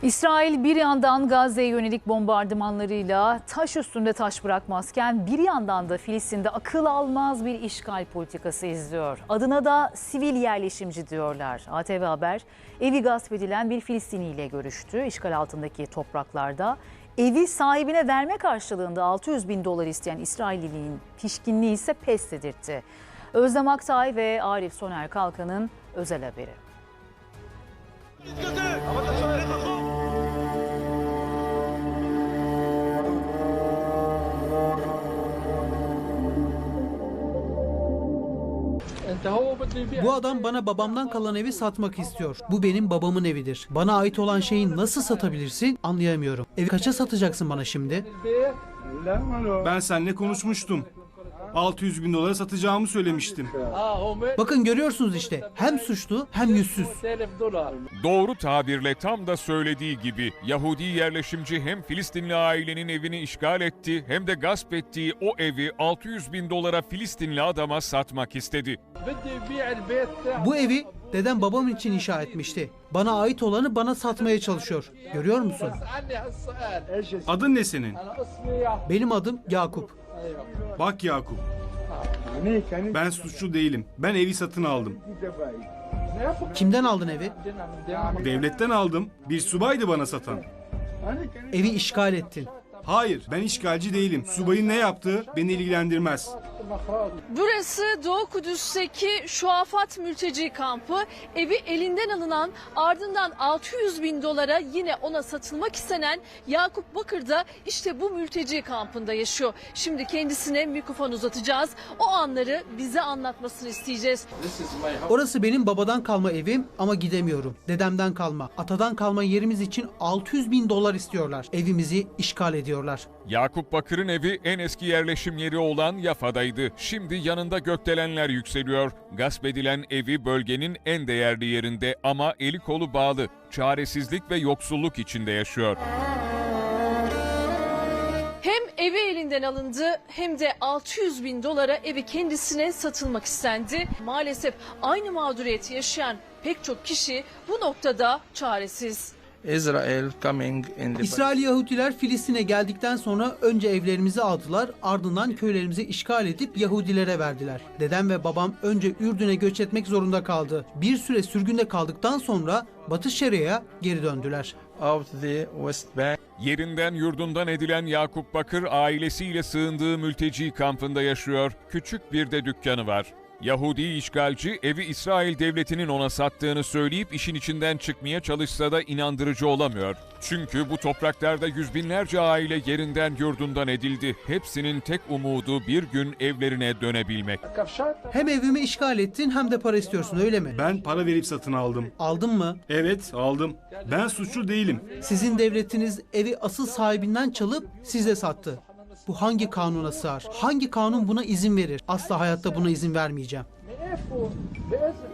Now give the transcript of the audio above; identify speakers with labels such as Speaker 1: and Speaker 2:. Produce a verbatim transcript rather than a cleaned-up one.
Speaker 1: İsrail bir yandan Gazze'ye yönelik bombardımanlarıyla taş üstünde taş bırakmazken bir yandan da Filistin'de akıl almaz bir işgal politikası izliyor. Adına da sivil yerleşimci diyorlar. A T V Haber evi gasp edilen bir Filistini ile görüştü. İşgal altındaki topraklarda evi sahibine verme karşılığında altı yüz bin dolar isteyen İsrailliliğin pişkinliği ise pes dedirtti. Özlem Aktay ve Arif Soner Kalkan'ın özel haberi.
Speaker 2: Bu adam bana babamdan kalan evi satmak istiyor. Bu benim babamın evidir. Bana ait olan şeyi nasıl satabilirsin anlayamıyorum. Evi kaça satacaksın bana şimdi?
Speaker 3: Ben seninle konuşmuştum. altı yüz bin dolara satacağımı söylemiştim.
Speaker 2: Bakın görüyorsunuz işte. Hem suçlu hem yüzsüz.
Speaker 4: Doğru tabirle tam da söylediği gibi Yahudi yerleşimci hem Filistinli ailenin evini işgal etti hem de gasp ettiği o evi altı yüz bin dolara Filistinli adama satmak istedi.
Speaker 2: Bu evi dedem babam için inşa etmişti. Bana ait olanı bana satmaya çalışıyor. Görüyor musun?
Speaker 3: Adın ne senin?
Speaker 2: Benim adım Yakup.
Speaker 3: Bak Yakup. Ben suçlu değilim. Ben evi satın aldım.
Speaker 2: Kimden aldın evi?
Speaker 3: Devletten aldım. Bir subaydı bana satan.
Speaker 2: Evi işgal ettin.
Speaker 3: Hayır, ben işgalci değilim. Subayın ne yaptığı beni ilgilendirmez.
Speaker 5: Burası Doğu Kudüs'teki Şuafat mülteci kampı. Evi elinden alınan, ardından altı yüz bin dolara yine ona satılmak istenen Yakup Bakır da işte bu mülteci kampında yaşıyor. Şimdi kendisine mikrofon uzatacağız. O anları bize anlatmasını isteyeceğiz.
Speaker 2: Orası benim babadan kalma evim ama gidemiyorum. Dedemden kalma, atadan kalma yerimiz için altı yüz bin dolar istiyorlar. Evimizi işgal ediyorlar.
Speaker 4: Yakup Bakır'ın evi en eski yerleşim yeri olan Yafa'daydı. Şimdi yanında gökdelenler yükseliyor. Gasp edilen evi bölgenin en değerli yerinde ama eli kolu bağlı. Çaresizlik ve yoksulluk içinde yaşıyor.
Speaker 5: Hem evi elinden alındı hem de altı yüz bin dolara evi kendisine satılmak istendi. Maalesef aynı mağduriyeti yaşayan pek çok kişi bu noktada çaresiz.
Speaker 6: Israel coming in the
Speaker 2: İsrail Yahudiler Filistin'e geldikten sonra önce evlerimizi aldılar, ardından köylerimizi işgal edip Yahudilere verdiler. Dedem ve babam önce Ürdün'e göç etmek zorunda kaldı. Bir süre sürgünde kaldıktan sonra Batı Şeria'ya geri döndüler.
Speaker 6: out the West Bank.
Speaker 4: Yerinden yurdundan edilen Yakup Bakır ailesiyle sığındığı mülteci kampında yaşıyor. Küçük bir de dükkanı var. Yahudi işgalci evi İsrail devletinin ona sattığını söyleyip işin içinden çıkmaya çalışsa da inandırıcı olamıyor. Çünkü bu topraklarda yüz binlerce aile yerinden yurdundan edildi. Hepsinin tek umudu bir gün evlerine dönebilmek.
Speaker 2: Hem evimi işgal ettin hem de para istiyorsun öyle mi?
Speaker 3: Ben para verip satın aldım.
Speaker 2: Aldın mı?
Speaker 3: Evet, aldım. Ben suçlu değilim.
Speaker 2: Sizin devletiniz evi asıl sahibinden çalıp size sattı. Bu hangi kanuna sığar? Hangi kanun buna izin verir? Asla hayatta buna izin vermeyeceğim.